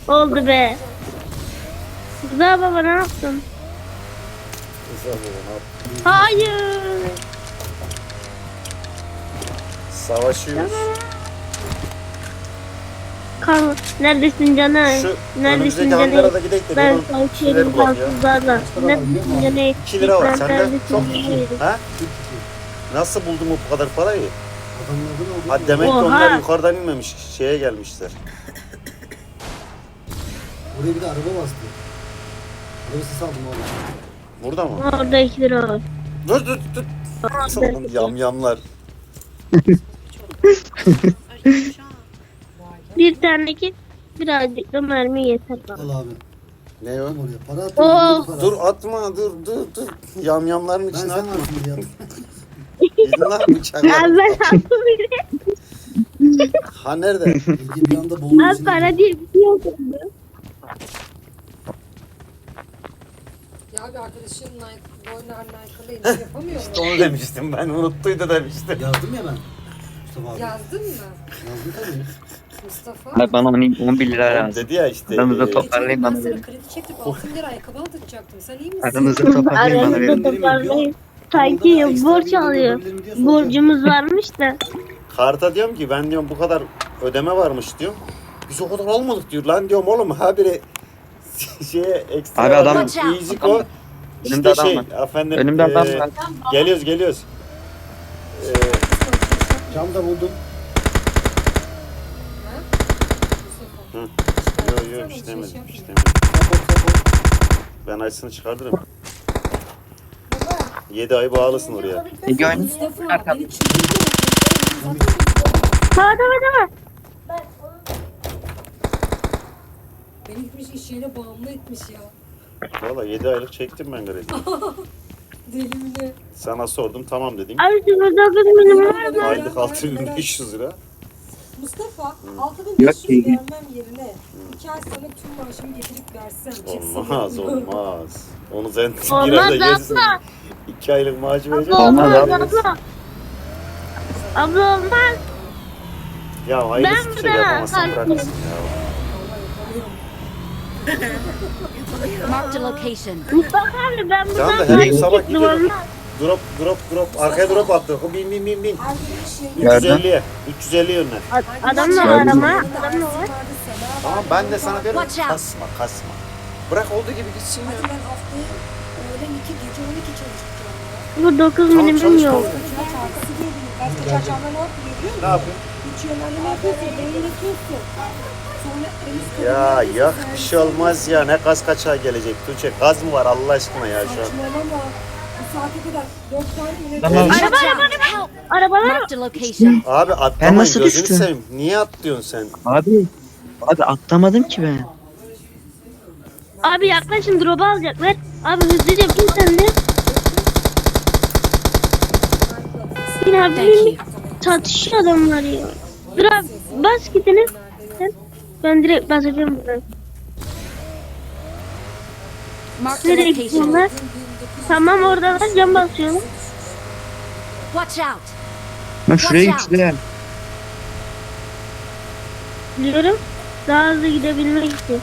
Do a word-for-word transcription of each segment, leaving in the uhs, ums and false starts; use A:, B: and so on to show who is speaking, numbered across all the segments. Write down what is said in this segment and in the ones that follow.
A: Oldu be. Rıza baba ne yaptın?
B: Güzel baba, ne yaptın?
A: Hayır.
B: Savaşıyoruz.
A: Kan neredesin canım?
B: Şu
A: Neredesin
B: önümüzdeki
A: canım?
B: hangarda gidelim de
A: Ben
B: bunun
A: savaşıyorum
B: şeyleri bulak ya.
A: kansızlarla. Neredesin canım?
B: iki lira var
A: Ben
B: sende.
A: neredesin
B: Çok
A: canım?
B: ha? Nasıl buldun bu kadar parayı?
C: Adamlardan oldu.
B: Ha demek ki
A: Oha.
B: onlar yukarıdan inmemiş. Şeye gelmişler.
C: Oraya bir de araba bastı. Araba sesi aldım oğlum.
B: Burada mı?
A: Orada iki lira var.
B: Dur dur dur. Yamyamlar.
A: Bir tane ki birazcık da mermi yeter bana.
C: Al abi.
B: Ne o?
C: Oraya para
A: Oo.
C: atıyorum. Para.
B: Dur atma dur dur dur. Yamyamların
C: Ben
B: içine
C: sen
B: atma.
C: atsın diye.
B: Gidin lan bıçaklar.
A: Abi ben attım biri.
B: Ha nerede?
C: Ege bir anda boğulur
A: Az
C: içine.
A: para diye bir şey yok.
D: Ya bir arkadaşın Nike, Boyner Nike'lı yapamıyor mu?
B: Onu demiştim ben unuttuydu demiştim.
C: Yazdım ya ben. Mustafa abi.
D: Yazdın mı?
C: Yazdım tabii.
D: Mustafa.
E: Abi bana on bir lira
B: Oğlum
E: lazım.
B: dedi ya işte.
E: Aramızda
B: e,
E: top- Toparlayın
D: Ben
E: bana
D: sana
E: verin.
D: kredi çektim altı bin lira ayakkabı aldıracaktım. Sen iyi misin?
E: Aranızda toparlayın bana
A: Aramızda
E: verin.
A: toparlayın. Sanki borç alıyor. Borcumuz varmış da.
B: Karta diyorum ki ben diyorum bu kadar ödeme varmış diyorum. Biz o kadar almadık diyor lan diyorum oğlum ha biri şeye ekstra
E: Abi adam-
B: easy ko
E: Önümde
B: işte
E: adam
B: şey
E: var.
B: efendim
E: Önümde adam
B: e,
E: var.
B: geliyoruz geliyoruz. E,
C: Cam da buldum.
B: hı. Yo yo istemedim istemedim.
C: Kapot kapot.
B: Ben acısını çıkartırım. Yedi ay bağlısın oraya.
E: Ege oyunu.
D: Mustafa
E: Arkam.
D: beni çıldırtma.
A: Tamam tamam tamam.
D: Beni gitmiş iş yerine bağımlı etmiş ya.
B: Valla yedi aylık çektim ben kredi.
D: Deli mi ne?
B: Sana sordum tamam dedim.
A: Abi sıfır dokuz milim var mı?
B: Aylık altı bin beş yüz lira.
D: Mustafa altı bin beş yüz
E: Yok,
D: vermem yerine iki ay sonra tüm maaşımı getirip versem. kesin.
B: Olmaz olmaz. Onu sen bir
A: Olmaz
B: ayda yersin.
A: abla.
B: İki aylık maaşı
A: Abla
B: vereceğim.
E: Olmaz
A: olmaz
E: abi.
A: abla. Abla olmaz.
B: Ya hayırlısı
A: Ben
B: bir şey
A: de
B: yapamazsan
A: kalkayım.
B: bırakırsın ya.
F: Marked a location.
A: Mustafa abi ben buradan
B: Tamam da her gün
A: takip
B: sabah
A: ettim
B: gidiyorum.
A: olmaz.
B: Drop drop drop. Arkaya drop attı. Bin bin bin bin.
D: Her gün iş yerine
B: üç yüz elliye. üç yüz elli yönler.
A: A- Adam da var ama. Adam da var.
B: Tamam ben de sana diyorum
F: Watch out.
B: kasma kasma. Bırak olduğu gibi gitsin ya.
D: Hadi ben haftaya öğlen iki gece on iki çalışacağım ya.
A: Bu dokuz
B: Tamam
A: milim
B: çalış
A: yok.
B: tamam.
D: Ya çarpısı diye bir başka çarşamba ne yapıyor biliyor musun?
B: Ne yapayım?
D: Üç yönlendirme yapıyorsun, beyin yapıyorsun. Sonra deniz
B: Ya yok bir şey olmaz ya. Ne gaz kaçağı gelecek Tuğçe. Gaz mı var Allah aşkına ya şu an?
D: Saçmalama. Bu saate kadar dört tane ileri
E: Tamam.
A: Araba araba araba. Arabalar
F: Marked a location.
B: Abi atlamayın
E: nasıl
B: gözünü
E: düştüm?
B: seveyim. Niye atlıyorsun sen?
E: Abi. Abi atlamadım ki ben.
A: abi yaklaşın drop'u alacaklar. Abi hızlıca bin sen de. Yine
F: Thank
A: abi
F: you.
A: çatışıyor adamlar ya. Dur abi bas gidiniz. Sen- Ben direkt basacağım buradan.
F: Marked a
A: Nereye
F: location.
A: gidiyorlar? Tamam oradalar cam basıyorum.
F: Watch out.
E: Ben şuraya
F: Watch out.
E: güçlüyorum.
A: Biliyorum. Daha hızlı gidebilmek için.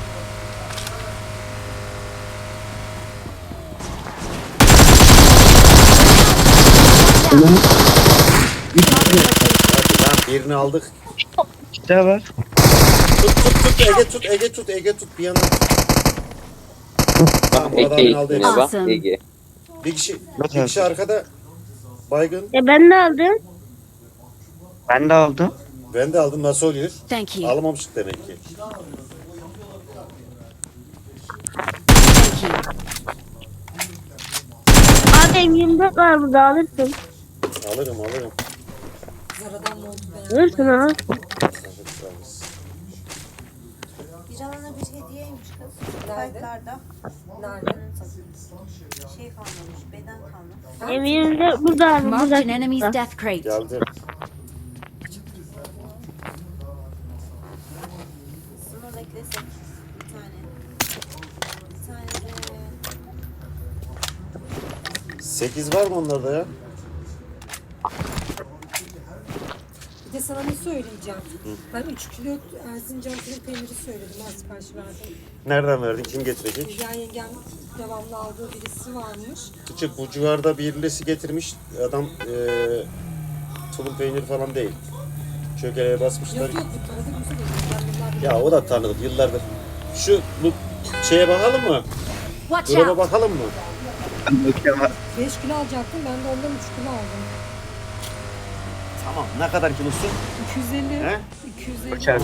B: Hadi lan birini aldık.
E: İşte var.
B: Tut tut tut Ege tut Ege tut Ege tut bir yana. Tamam bu adamın aldı hepsini.
F: Awesome.
B: Bir kişi, bir kişi arkada baygın.
A: E ben de aldım.
E: Ben de aldım.
B: Ben de aldım nasıl oluyor?
F: Thank you.
B: Alamamıştık demek ki.
F: Thank you.
A: Abi M yirmi dört var burada alırsın.
B: Alırım alırım.
D: Zaradan mı oldu be?
A: Alırsın al.
G: Bir alana bir hediyeymiş kız.
D: Nerede?
G: Kayıtlarda
D: Nerede?
G: şey kalmamış, beden kalmış.
A: M yirmi dört burada abi
F: Marked
A: burada.
F: an enemy's death crate.
B: Geldim.
G: Sınır eklesek bir tane. Bir tane de
B: sekiz var mı onlarda ya?
D: Bir de de sana ne söyleyeceğim. Ben üç kilo Erzincan kuru peyniri söyledim. Ben sipariş verdim.
B: Nereden verdin? Kim getirecek?
D: Yani yengem devamlı aldığı birisi varmış.
B: Küçük bu civarda birisi getirmiş. Adam eee tulum peynir falan değil. Çökeleye basmışlar.
D: Yok yok bu tanıdık mısın? Ben yıllardır
B: Ya o da tanıdık yıllardır. Şu bu şeye bakalım mı?
F: Watch
B: Drop'a
F: out!
B: bakalım mı?
E: Ben bakıyorum abi.
D: beş kilo alacaktım. Ben de ondan üç kilo aldım.
B: Tamam. Ne kadar kilosu?
D: iki yüz elli.
B: He?
D: iki yüz elli.
E: Uçar.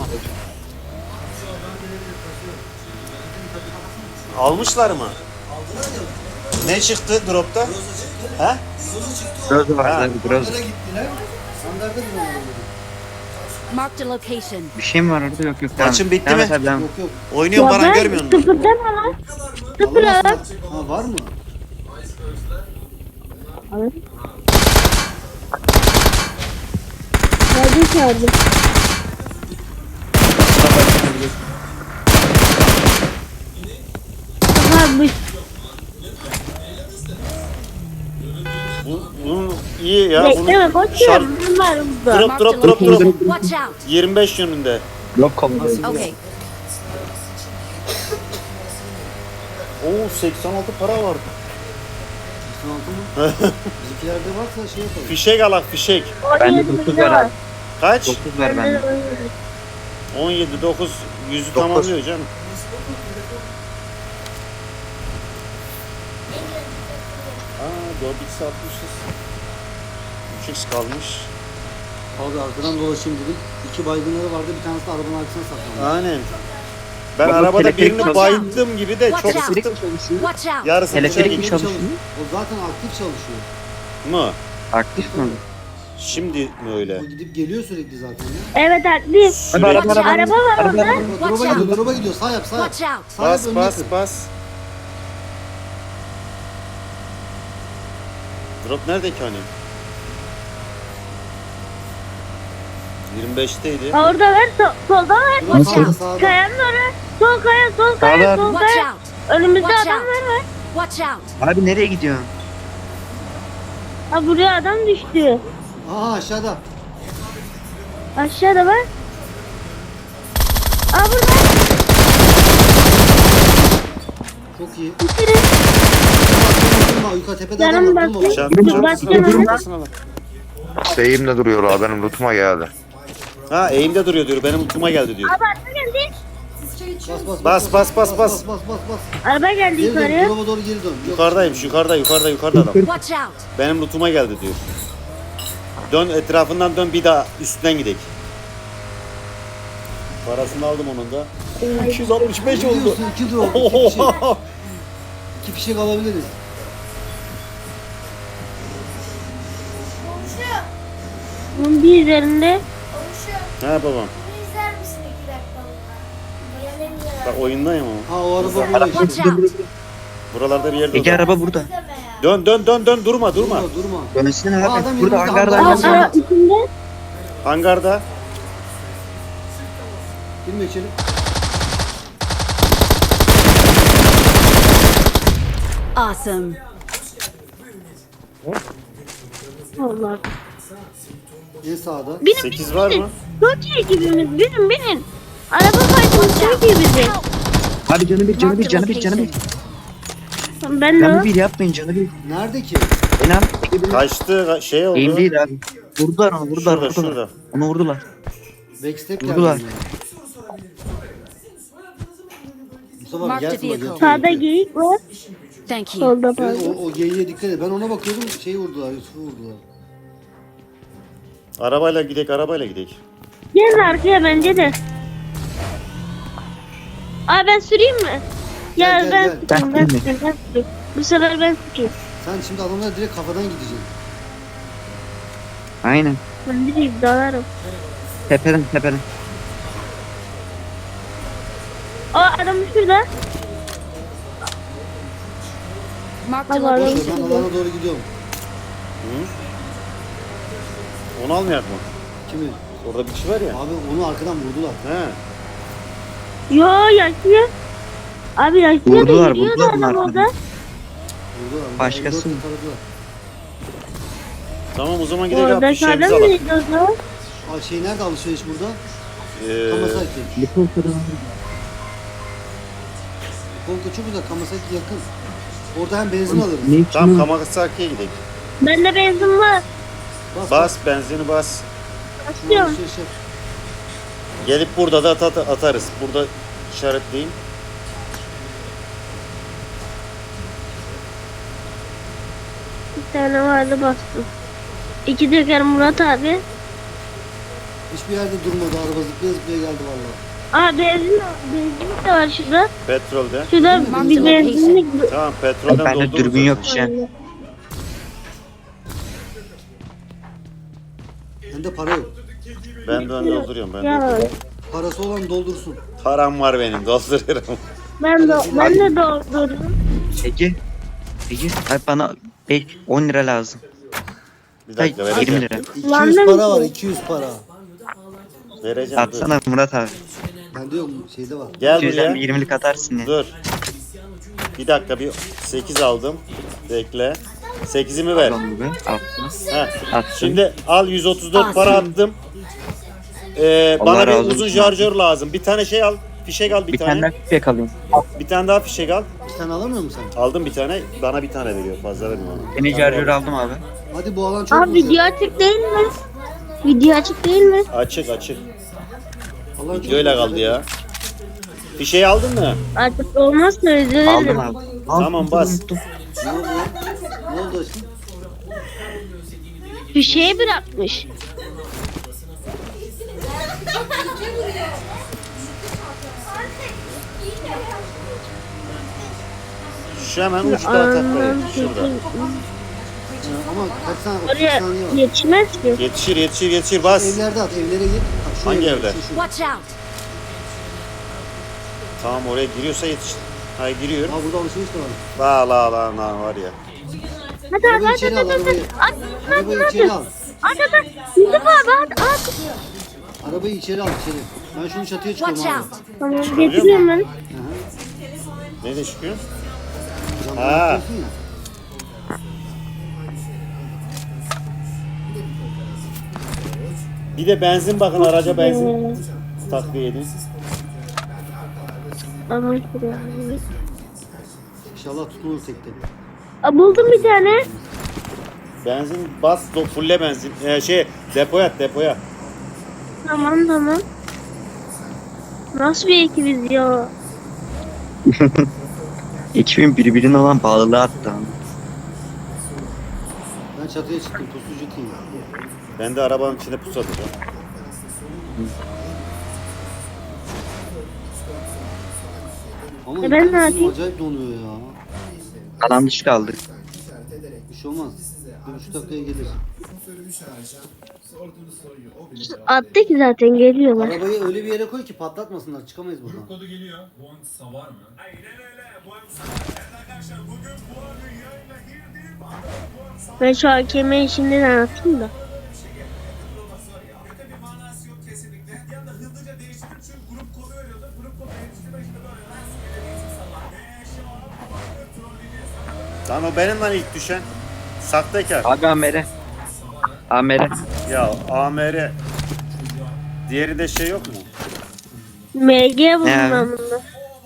B: Almışlar mı? Ne çıktı drop'ta? He?
E: Biraz
B: Ha.
E: var abi biraz.
C: Nereye gittiler? Standarda mı oldu?
F: Marked a location.
E: Bir şey mi var orada? Yok yok. Devam.
B: Maçın bitti
E: Devam
B: mi?
E: et abi, devam.
C: Yok yok.
B: Oynuyor Baran görmüyor musun?
A: Sıfırdan ama. Sıfır
C: Allah
A: abi.
C: aşkına. Ha var mı?
A: Nerede çağırdım? Abi
B: Bu, bunun iyi ya. Bunun
A: bekleme boş
B: şar-
A: ver. Bunlar burada.
B: drop
F: Marked a
B: drop drop drop.
F: location. Watch out!
B: yirmi beş yönünde.
E: Yok komutanım.
F: Okay.
B: Oo seksen altı para var.
C: doksan altı mı? Bizimkilerde varsa şey yapalım.
B: Fişek alak fişek.
E: Bende
A: on yedi
E: dokuz
A: binde
E: var
A: var.
E: abi.
B: Kaç?
E: dokuz ver
A: Bende
E: bende.
A: de on yedi.
B: on yedi dokuz yüzü
E: Dokuz.
B: tamamlıyor canım. Aa dört x atmışız. üç x kalmış.
C: Abi arkadan dolaşayım dedim. İki baygınları vardı. Bir tanesi de arabanın arkasına saklandı.
B: Aynen. Ben
E: Baba,
B: arabada
E: teleferik
B: birini
F: çalışıyor.
B: bayıldım gibi de çok
F: Watch out.
B: sıktım.
F: Watch out!
B: Yarısı dışarı
E: Teleferik mi
B: gitti.
E: çalışıyor?
C: O zaten aktif çalışıyor.
B: Mu?
E: Aktif mi?
B: Şimdi mi öyle?
C: O gidip geliyor sürekli zaten ya.
A: Evet aktif.
E: Abi araba araba.
A: Araba var
E: Araba,
A: orada.
E: araba.
C: Drop'a
F: Watch
C: gidiyor,
F: out.
C: drop'a gidiyor. Sağ yap, sağ yap.
F: Watch out!
C: Sağ yap,
B: Bas
C: önüne
B: bas
C: kır.
B: bas. Drop nerede ki hani? yirmi beşteydi.
A: Aa, orada ver. Sol, solda ver.
C: Drop
F: Watch
C: sağda,
F: out.
C: sağda.
A: Kayanın oraya. Sol kaya, sol kaya,
E: Sağda.
A: sol
F: Watch
A: kaya.
F: out!
A: Önümüzde
F: Watch
A: adam
F: out.
A: var var.
F: Watch out!
E: Abi nereye gidiyorsun?
A: Aa, buraya adam düştü.
C: Aha aşağıda.
A: Aşağıda var. Aa burada.
C: Çok iyi.
A: Bitirin.
C: Durma, yukarı tepede
A: Canım
C: adam var. Durma.
A: baktı.
B: Şan-
A: Dur,
B: şan-
A: başka
B: şan-
A: ne?
B: şan-
H: Şeyimle duruyor o benim lootuma geldi.
B: Ha eğimde duruyor diyor. Benim utuma geldi diyor.
A: Abi araba geldi.
C: Bas
B: Bas
C: bas
B: bas bas bas.
C: bas bas bas.
A: Araba geldi
C: Geri dön,
A: yukarıya.
C: drop'a doğru geri dön. Yok.
B: Yukarıdaymış yukarıda yukarıda yukarıda adam.
F: Watch out!
B: Benim lootuma geldi diyor. Dön etrafından dön bir daha üstten gidelim. Parasını aldım onun da. Oo, iki yüz altmış beş
C: Ne
B: oldu.
C: diyorsun? İki drop, iki fişek. İki fişek alabiliriz.
A: Bunun bir üzerinde.
B: Ha babam. Bak oyundayım ama.
C: Ha o araba burada işte.
F: Watch out!
B: Buralarda bir yerde.
E: Ege
B: adam.
E: araba burada.
B: Dön dön dön dön durma durma.
C: Durma durma.
E: Dönsün
C: Aa,
E: abi.
C: adam
E: Burada
C: yanımızda,
E: hangarda
C: adam
A: Aa,
E: hangarda.
A: aa, içinde.
B: Hangarda.
C: Girme içeri.
F: Awesome!
A: Allah.
C: En sağda.
A: Binin
B: sekiz
A: binin
B: var
A: binin.
B: mı?
A: Çok iyi ekibimiz. Binin binin. Araba kaydımız çok iyi bizim.
E: Abi canı bir canı bir canı bir canı bir.
A: Ben de
E: Canı
A: var.
E: bir yapmayın canı bir.
C: Nerede ki?
E: İnan. Ege bir.
B: Kaçtı ka- şey oldu.
E: Eğim değil abi. Vurdular onu vurdular
B: Şurada
E: vurdular.
B: şurada.
E: Onu vurdular.
C: Backstep
E: Vurdular.
C: geldi. Mustafa
F: Mark
C: abi
F: the
C: gelsin bak
F: vehicle.
C: yatıyor.
A: Sağda geyik var.
F: Thank you.
A: Solda
C: Evet,
A: pardon.
C: o, o geyiğe dikkat et. Ben ona bakıyordum. Şeyi vurdular. Yusuf'u vurdular.
B: Arabayla gidek arabayla gidek.
A: Gelin arkaya bence de. Aa ben süreyim mi? Ya
C: Gel, gel,
A: ben
C: gel.
A: süreyim, ben
E: Ben
A: süreyim, ben süreyim. Bu sefer ben süreyim.
C: Sen şimdi adamlara direkt kafadan gideceksin.
E: Aynen.
A: Ben direkt dalarım.
E: Tepeden tepeden.
A: Aa adam şurada.
F: Marked a
A: Baba,
C: Boş ver,
F: location.
C: ben alana doğru gidiyorum.
B: Onu almayak mı?
C: Kimi?
B: Orada bir kişi var ya.
C: Abi onu arkadan vurdular.
B: He.
A: Yo yaşıyor. Abi yaşıyor da
E: Vurdular,
A: yürüyor da
E: vurdular
A: adam
E: bunlar.
A: orada.
C: Vurdular.
E: Başkası
C: elli dört
E: mı?
C: taradılar.
B: Tamam o zaman gidelim.
A: Orada
B: Fişeğimizi
A: kalır
B: alalım.
A: mıydı o zaman?
C: Aa, şey nerede alışveriş burada?
B: Ee,
C: Kamasaki.
E: Liko kadar.
C: Konka çok güzel. Kamasaki yakın. Orada hem benzin alırız.
E: Ne için?
B: tamam
E: o?
B: Kamasaki'ye gidelim.
A: Bende benzin var.
C: Bas.
B: Bas benzini bas.
A: Basıyorum.
C: Alışveriş yap.
B: Gelip burada da at- at- atarız. Burada işaretleyeyim.
A: Bir tane vardı bastım. İki teker Murat abi.
C: Hiçbir yerde durmadı. Araba zıplaya zıplaya geldi valla.
A: Aa benzin, benzin de var şurada.
B: Petrolde.
A: Şurada bir benzinlik.
B: Tamam petrolden
E: Bende
B: doldururuz.
E: dürbün yok
B: zaten.
E: şey.
C: Bende para yok.
B: Ben de dolduruyorum. Ben
A: Ya
B: dolduruyorum.
C: Parası olan doldursun.
B: Param var benim dolduruyorum.
A: ben de ben de doldurdum.
E: Ege. Ege. Abi bana beş- on lira lazım.
B: Bir dakika
E: Hayır,
B: vereceğim.
E: yirmi lira.
C: iki yüz
A: Lan ne
C: para var.
A: biçim?
C: iki yüz para.
B: Vereceğim dur.
E: Atsana Murat abi.
C: Bende yok. Şeyde var.
B: Gel
E: iki yüzden bir
B: buraya.
E: yirmilik atarsın ya.
B: Dur. Bir dakika bir sekiz aldım. Bekle. sekizimi ver.
E: Tamam abi. Attım.
B: Heh.
E: Attım.
B: Şimdi al yüz otuz dört para attım. Ee,
E: Allah
B: bana bir
E: razı
B: uzun
E: olsun.
B: şarjör lazım. Bir tane şey al. Fişek al bir,
E: Bir
B: tane.
E: tane daha küpek alayım.
B: Bir tane daha fişek al.
C: Bir tane alamıyor musun sen?
B: Aldım bir tane. Bana bir tane veriyor. Fazla vermiyor bana.
E: Beni şarjör aldım abi.
C: Hadi bu alan çok
A: Abi
C: güzel.
A: video açık değil mi? Video açık değil mi?
B: Açık açık.
C: Alan çok
B: Videoyla
C: güzel.
B: kaldı ya. Fişeği aldın mı?
A: Artık olmazsa özür
E: Aldım
A: dilerim.
E: abi.
B: Tamam, bas.
E: Unuttum.
C: Ne oldu? Ne oldu aşkım?
A: Bir şey bırakmış.
B: Şu hemen uçta taklayın.
A: Anlam
B: Şurada.
C: Ha, ama kaç saniye, otuz
A: Oraya
C: saniye var.
A: yetişmez ki.
B: Yetişir yetişir yetişir bas.
C: Evlerde at, evlere git. Bak, şu
B: Hangi
C: evde,
B: evde?
C: şu, şu.
F: Watch out!
B: Tamam oraya giriyorsa yetişir. Hayır giriyor.
C: Ha burada alışveriş de var.
B: La la la la var ya.
A: Hadi hadi
C: Arabayı
A: hadi
C: içeri al,
A: hadi hadi.
C: arabayı.
A: At at
C: Arabayı
A: at
C: içeri
A: at.
C: al.
A: At at at. Yusuf abi at at.
C: Arabayı içeri al, içeri. Ben şunu çatıya
F: Watch
C: çıkıyorum abi.
F: out!
A: Tamam getiriyorum ben.
B: Ne de çıkıyor?
C: Camdan
B: Ha.
C: atıyorsun ya.
B: Bir de benzin bakın araca benzin takviye edin.
A: Ama
C: İnşallah tutulur tekte.
A: Aa, buldum bir tane.
B: Benzin bas do fulle benzin. Ee, şey depoya at, depoya.
A: Tamam tamam. Nasıl bir ekibiz ya?
E: Ekibin birbirine olan bağlılığı attı abi.
C: Ben çatıya çıktım, pusucu team.
B: Ben de arabanın içine pus atacağım.
C: Ama
A: E ben ne
C: internetim
A: yapayım?
C: acayip donuyor ya.
E: Alan dışı kaldı.
C: Bir şey olmaz. Bir buçuk dakikaya gelir.
A: Attı ki zaten geliyorlar.
C: Arabayı öyle bir yere koy ki patlatmasınlar. Çıkamayız buradan.
I: Kodu geliyor. Bonsa var mı?
A: Ben şu hakemeyi şimdiden atayım da.
B: Lan o benim lan ilk düşen. Saktekar.
E: Abi Amer'e. Amer'e.
B: Ya A M R. Diğeri de şey yok mu?
A: M G buldum
E: Ne
A: ben
E: abi?
A: bunda.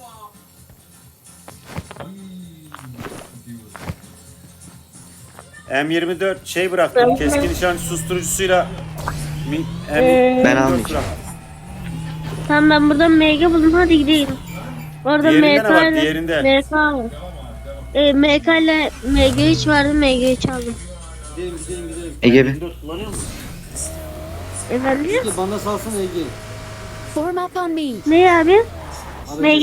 B: M yirmi dört şey bıraktım.
A: Ben-
B: Keskin nişan susturucusuyla mi, M
A: Ee,
E: Ben
B: dört
E: almayacağım.
B: bıraktım.
A: Tamam ben buradan M G buldum hadi gidelim. Orada
B: Diğerinde
A: M
B: ne var?
A: K ile
B: Diğerinde.
A: M K var. E, M K ile M G üç vardı M G üç aldım.
C: Gidelim gidelim gidelim.
E: Ege bir.
B: M dört kullanıyor musun?
A: Efendim?
C: Ege bana salsana Ege.
F: Form up on me!
A: Ne abi?
C: Aracı-
A: M G?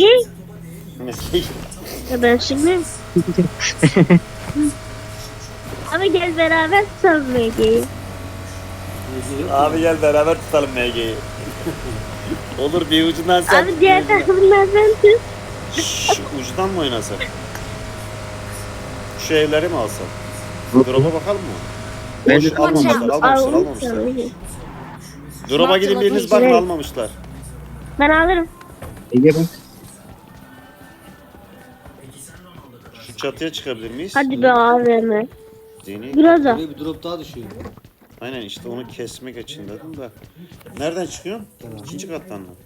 A: Ya ben şimdi. Abi gel beraber tutalım M G'yi.
C: Ege yok.
B: Abi gel beraber tutalım M G'yi. Olur bir ucundan sen.
A: Abi diğer tarafından sen tut.
B: Şu ucundan mı oynasak? Şu evleri mi alsak? Drop'a bakalım mı?
E: Ben
B: Boş, almamışlar, almamışlar,
A: Aldım
B: almamışlar.
A: tabii.
B: Drop'a gidin biriniz bakın
A: Evet.
B: almamışlar.
A: Ben alırım.
E: Ege bak.
B: Şu çatıya çıkabilir miyiz?
A: Hadi be A V M.
B: Deni.
A: Biraz da.
C: Buraya bir drop daha düşüyor.
B: Aynen işte onu kesmek için dedim de. Nereden çıkıyorsun? İkinci kattan mı?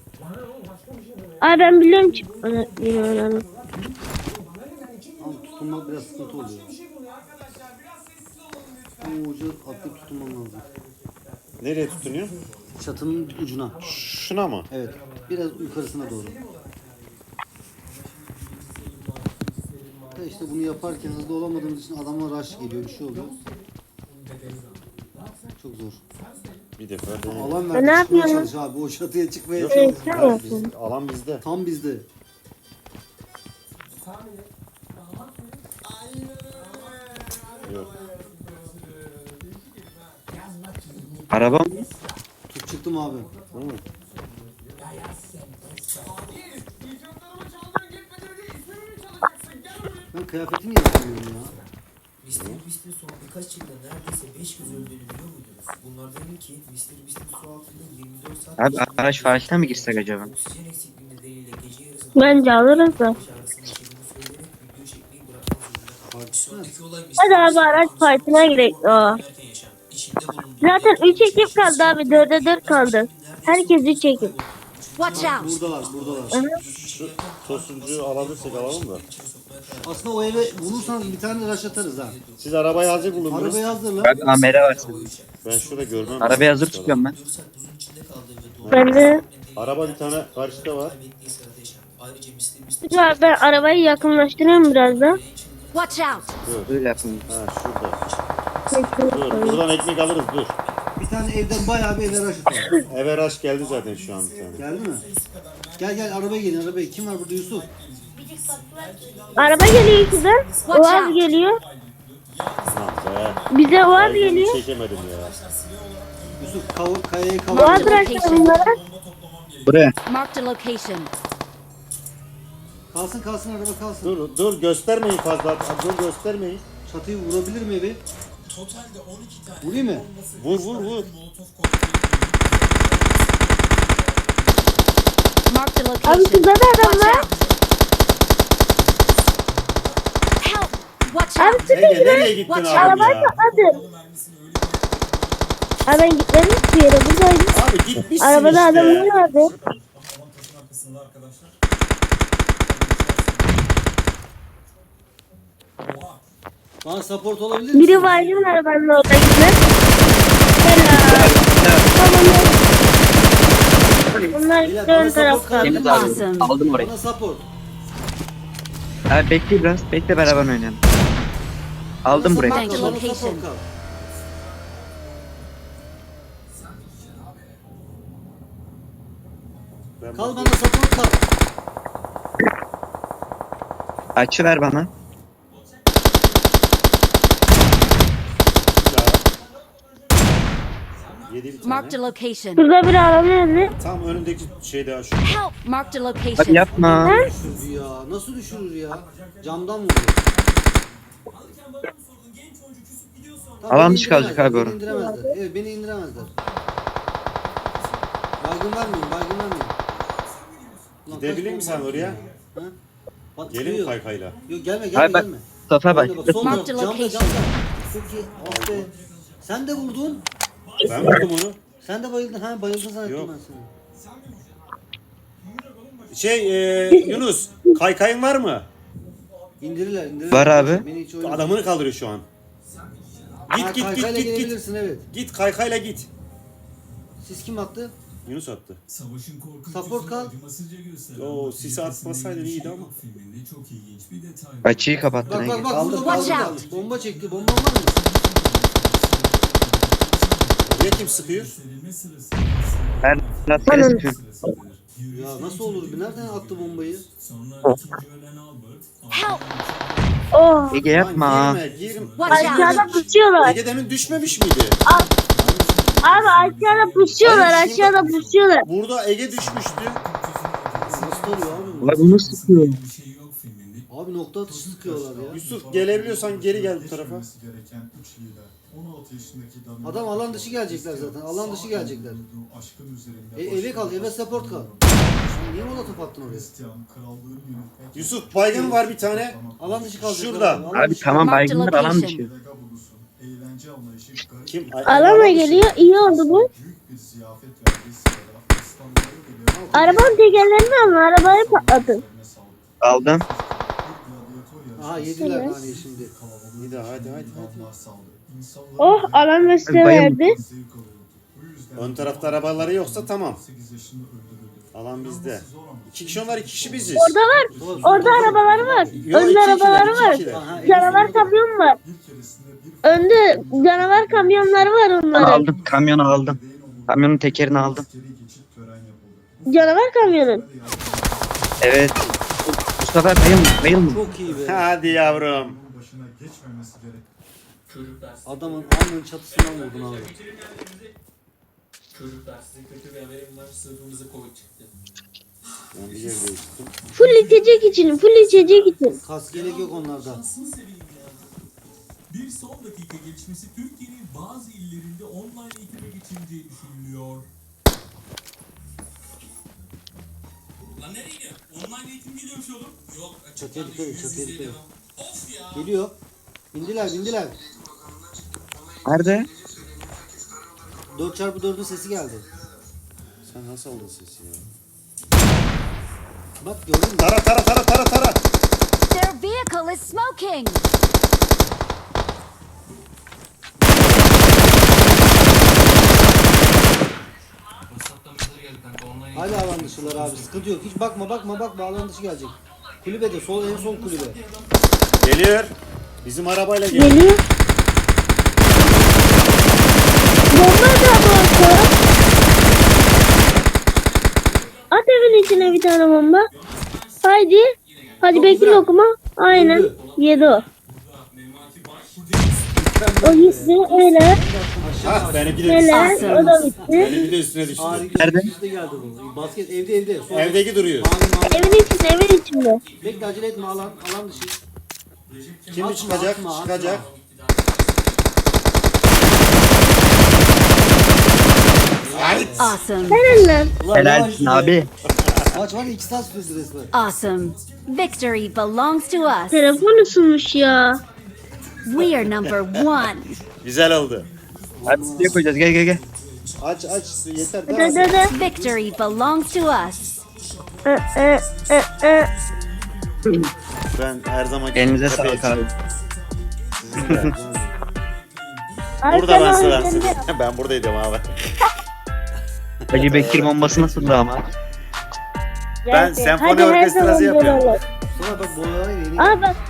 A: Abi ben biliyorum çıkmanı. Yine oynanın.
C: Ama tutunmak biraz sıkıntı oluyor. Bu ucu atlayıp tutunman lazım.
B: Nereye tutunuyor?
C: Çatının ucuna.
B: Şuna mı?
C: Evet. Biraz yukarısına doğru. Da işte bunu yaparken hızlı olamadığımız için adama rush geliyor. Bir şey oluyor. Çok zor.
B: Bir defa deneyelim.
C: Alan
A: ne
C: verdi. Çıkmaya
A: yapıyorsun?
C: çalış abi. O çatıya çıkmaya
B: Yok,
C: çalış.
A: sen
B: ben-
A: yapıyorsun.
B: biz- alan bizde.
C: Tam bizde.
B: Yok.
E: Arabam.
C: Tut çıktım abi.
B: Hı.
C: Ben kıyafetimi yapamıyorum ya.
J: mister Beast'in son birkaç yılda neredeyse beş kez öldüğünü biliyor muydunuz? Bunlardan ilki mister Beast'in su altında yirmi dört saat
E: Abi araç faaliyetine mi girsek acaba?
J: oksijen eksikliği nedeniyle gece yarısında
A: Bence alırız da.
J: baş ağrısını yaşadığını söyleyerek video çekmeyi bırakmak zorunda kaldı.
C: Partisi mi?
J: Sonraki olay
A: Hadi abi araç partine girek. Aa.
J: erken yaşam. İçinde bulunduğu
A: Zaten üç ekip kaldı abi. dörde dört kaldı. Herkes üç ekip.
F: Watch out!
C: Buradalar, buradalar.
B: Şu tosuncuyu alabilirsek alalım da.
C: Aslında o eve bulursanız bir tane rush atarız ha.
B: Siz arabayı hazır bulun biraz.
C: Arabayı hazırla.
E: Abi amere var senin.
B: Ben şurada görmem.
E: Arabayı hazır tutuyorum ben.
A: Ben de
B: Araba bir tane karşıda var.
J: ayrıca mister Beast
A: Dur abi ben arabayı yakınlaştırıyorum biraz da.
F: Watch out!
E: Öyle yapayım.
B: Ha şurada. Dur buradan ekmek alırız dur.
C: Bir tane evden bayağı bir eve rush atalım.
B: Eve rush geldi zaten şu an bir tane.
C: Geldi mi? Gel gel arabaya gelin arabaya. Kim var burada Yusuf?
A: Araba geliyor şuradan. Oğaz geliyor.
B: Lan be.
A: Bize Oğaz
B: Baygını
A: geliyor.
B: çekemedim ya.
C: Yusuf kav kayayı
A: Oğaz
C: kavur.
A: bıraktı bunlara.
E: Buraya.
F: Marked a location.
C: Kalsın kalsın araba kalsın.
B: Dur dur göstermeyin fazla. Dur göstermeyin.
C: Çatıyı vurabilir mi evi? Vurayım mı?
B: Vur vur vur.
F: Marked a
A: Abi
F: location.
A: şurada da adam
F: Watch
A: var.
F: out! Help! Watch
A: Abi
F: out!
A: sıkı
B: Ege
A: gibi.
B: nereye gittin
F: Watch
B: abi
A: Arabayı
B: ya?
A: patladı. Abi ben gitmedim bir yere buradaydım.
B: Abi gitmişsin
A: Arabada
B: işte.
A: adamlar vardı.
I: Aman taşın arkasında arkadaşlar. Oha.
C: Bana support olabilir misin?
A: Biri baygın arabanın orada gitmez. Helal. Tamam. Bunlar
C: Beyler,
A: gitti ön
C: bana
A: tarafta.
C: support
E: Temiz
C: kaldı.
E: abi.
F: Awesome.
E: Aldım orayı.
C: Bana support.
E: Abi bekle biraz. Bekle beraber oynayalım. Aldım burayı.
F: Marked a
C: Bana
F: location.
C: support kal.
B: Ben
C: Kal
B: bak-
C: bana support kal.
E: Açı ver bana.
B: Yedi bir
F: Marked a
B: tane.
F: location.
A: Şurada bir araba nerede?
B: Tam önündeki şeyde şu.
F: Help! Marked a
E: Abi
F: location.
E: yapma.
C: Düşürdü ya. Nasıl düşürür ya? Camdan vurdu. Tamam,
E: Alan
C: beni
E: dışı kalacak
C: indiremezler,
E: abi
C: beni
E: orada.
C: indiremezler. Evet beni indiremezler. Baygın vermeyin, baygın vermeyin. Ulan
B: Gidebilir
C: kaç
B: misin sen
C: bomba
B: oraya?
C: attın ya? Ha? Bak,
B: Gelin
C: çıkıyor.
B: kaykayla.
C: Yok gelme gelme
E: Abi bak.
C: gelme.
E: Mustafa bak.
C: Gelme, bak, sol
F: Marked
C: taraf,
F: a
C: camda
F: location.
C: camda. Çok iyi. Ah be. Sen de vurdun.
B: Ben vurdum onu.
C: Sen de bayıldın. Ha bayıldın zannettim
B: Yok.
C: ben seni.
B: Şey e, Yunus kaykayın var mı?
C: İndirirler indirirler.
E: Var abi.
C: Beni hiç oynama.
B: Adamını kaldırıyor şu an.
C: Ha,
B: Git git git
C: kaykayla
B: git git.
C: gelebilirsin evet.
B: Git kaykayla git.
C: Siz kim attı?
B: Yunus attı.
I: Savaşın korkunç
C: Support
I: yüzünü
C: kal.
I: acımasızca gösteren
B: Oo,
I: Batı
B: sisi
I: ülkesinde
B: atmasaydın
I: bir
B: iyiydi
I: şey
B: ama.
I: yok filminde çok ilginç bir detay var.
E: Açıyı kapattın
C: Bak bak
E: Ege.
C: bak
B: Kaldır,
C: burada
F: kaldır.
C: bomba
F: Watch
C: bomba çekti. Bomba var mı?
B: Buraya kim sıkıyor?
I: Gösterilme sırasında
E: Ben rastgele sıkıyorum.
I: sırasıdır.
C: Ya nasıl olur? Nereden attı bombayı?
I: Sonra ikinci ölen Albert.
F: Help!
A: Oh.
E: Ege yapma.
B: Lan girme girme.
F: Watch out!
A: Aşağıda pusuyorlar.
B: Ege demin düşmemiş miydi?
A: Abi aşağıda pusuyorlar.
B: Hayır, şurada-
A: Aşağıda pusuyorlar.
B: Burada Ege düşmüştü.
C: Nasıl oluyor abi? bu?
E: Ulan bu nasıl sıkıyor?
I: Bir şey yok filminde.
C: Abi nokta atışı sıkıyorlar ya.
B: Yusuf gelebiliyorsan geri gel bu tarafa.
I: Gereken üç lider. on altı yaşındaki Damian
C: Adam alan dışı gelecekler zaten. Alan dışı gelecekler.
I: aşkın üzerinde
C: E, eve kal, eve support kal. Sen niye molotof attın oraya?
I: Hristiyan krallığını yönetmek
B: Yusuf baygın var bir tane.
C: Alan dışı kalacaklar.
B: Şurada.
C: Alan
E: Abi
C: dışı-
E: tamam
F: Marked
E: baygınlar alan
F: location.
E: dışı.
I: Vega bulusun. Eğlence eğlence anlayışı garip
B: Kim? Ay-
A: Alana
B: Ayhan
A: geliyor. İyi oldu bu.
I: büyük bir ziyafet verdiği sırada İstanbul'u bile
A: Arabanın tekerlerini alın. Arabayı patlatın.
E: Aldım.
C: Aha yediler hani şimdi.
B: Bir daha hadi hadi hadi.
A: Oh alan ve size
E: Bayım.
A: verdi.
B: Ön tarafta arabaları yoksa tamam. Alan bizde. İki kişi onlar, iki kişi biziz.
A: Orada var. Orada arabaları var.
B: Yo,
A: Önde
B: iki
A: arabaları
B: ikiler,
A: var.
B: iki ikiler.
C: Aha,
A: Canavar kamyon var. Önde canavar kamyonları var onların.
E: Aldım. Kamyonu aldım. Kamyonun tekerini aldım.
A: Canavar kamyonun.
E: Evet. Bu sefer bayıl, bayılmadım.
C: Çok iyi be.
B: Hadi yavrum.
I: başına geçmemesi gerek.
J: Çocuklar,
C: Adamın alnının çatısından vurdun abi.
J: çocuklar size kötü bir haberim var. Sınıfımıza Covid çıktı.
B: Ben bir yer değiştirdim.
A: Full içecek için. Full içecek için.
C: Kas gerek yok onlarda.
I: Şansını seveyim ya. Bir son dakika gelişmesi Türkiye'nin bazı illerinde online eğitime geçildiği düşünülüyor. Lan nereye gidiyor? Online eğitim geliyormuş oğlum. Yok.
C: Çatıya dikkat et, çatıya dikkat et.
I: Of ya.
C: Geliyor. Bindiler bindiler.
E: Nerede?
C: dört çarpı dördün sesi geldi.
B: Sen nasıl aldın sesi ya?
C: Bak gördün mü?
B: Tara tara tara tara tara.
F: Their vehicle is smoking.
J: WhatsApp'tan mesaj geldi kanka. Online
C: Hala alan dışılar abi. Sıkıntı yok. Hiç bakma bakma bakma alan dışı gelecek. Kulübede sol en son kulübe.
B: Geliyor. Bizim arabayla geliyor.
A: Geliyor. Bomba da bu. At evin içine bir tane bomba. Haydi. Hadi bekle lokma. Aynen. Yedi o. O gitti. Öyle.
B: Ah benimki de
A: Öyle.
B: düştü.
A: O da bitti.
B: Benimki de üstüne düştü.
C: Harika.
E: Nerede?
C: Üstte geldi bu. Basket evde evde. Sol.
B: Evdeki duruyor.
C: Mavi mavi.
A: Evin içinde. Evin içinde.
C: Bekle acele etme alan alan dışı.
B: Şimdi
C: Atma,
B: çıkacak,
C: atma, atma.
B: çıkacak.
F: Awesome.
A: Helal lan.
C: Ulan
E: Helalsin
C: yavaş
E: abi.
C: be. Maç var ya iki saat sürdü resmen.
F: Awesome. Victory belongs to us.
A: Telefon ısınmış ya.
F: We are number one.
B: Güzel oldu.
E: Hadi suya koyacağız. Gel gel gel.
B: Aç aç yeter
A: Hadi
B: daha.
A: hadi hadi.
F: Victory belongs to us.
A: Ö, ö, ö, ö.
B: Ben her zaman
E: Elinize sağlık abi.
A: Ay,
B: Burada ben
A: sen
B: sıra.
A: oynayacaksın.
B: Ben buradaydım abi.
E: Hacı Bekir bombası nasıldı ama?
B: Ben
A: Geldi.
B: senfoni
A: Hadi her
B: orkestrası
A: zaman böyle
B: yapıyorum.
A: olur.
C: Sonra bak bu olay yeni.
A: Aa bak